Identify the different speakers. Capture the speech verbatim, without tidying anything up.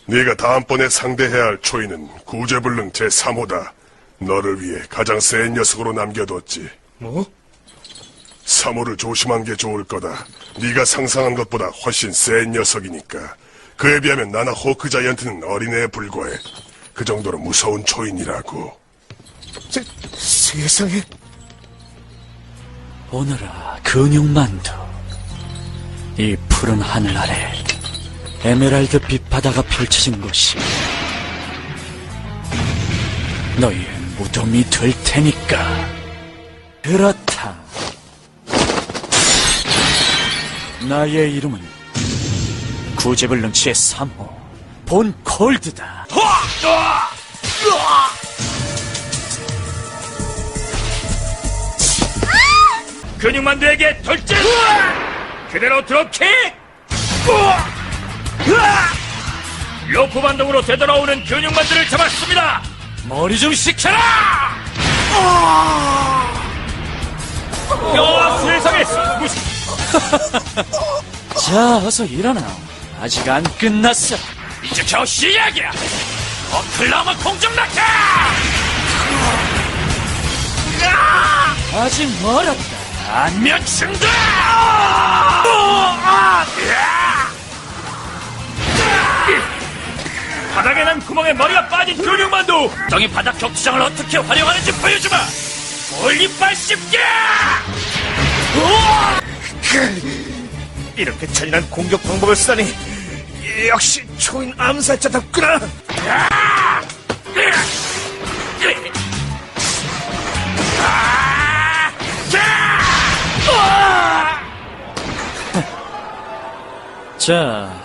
Speaker 1: 네가 다음번에 상대해야 할 초인은 구제불능 제삼 호다. 너를 위해 가장 센 녀석으로 남겨뒀지.
Speaker 2: 뭐?
Speaker 1: 삼 호를 조심한 게 좋을 거다. 네가 상상한 것보다 훨씬 센 녀석이니까. 그에 비하면 나나 호크 자이언트는 어린애에 불과해. 그 정도로 무서운 초인이라고.
Speaker 2: 세, 세상에.
Speaker 3: 오너라 근육만두. 이 푸른 하늘 아래 에메랄드 빛 바다가 펼쳐진 곳이 너희의 무덤이 될 테니까. 그렇다. 나의 이름은 구제불능 제삼 호 본 콜드다.
Speaker 4: 근육만두에게 돌진! 그대로 드롭킥! 로프 반동으로 되돌아오는 근육만두를 잡았습니다! 머리 좀 식혀라! 야, 세상에! 무슨...
Speaker 3: 자, 어서 일어나. 아직 안 끝났어.
Speaker 4: 이제 겨우 시작이야! 어클라마 공중낙하!
Speaker 3: 아직 멀었다.
Speaker 4: 안면 충돌! 바닥에 난 구멍에 머리가 빠진 근육만두! 너희 바닥 격투장을 어떻게 활용하는지 보여주마! 올리빨 씹기!
Speaker 2: 이렇게 잔인한 공격 방법을 쓰다니. 역시 초인 암살자답구나.
Speaker 3: 자,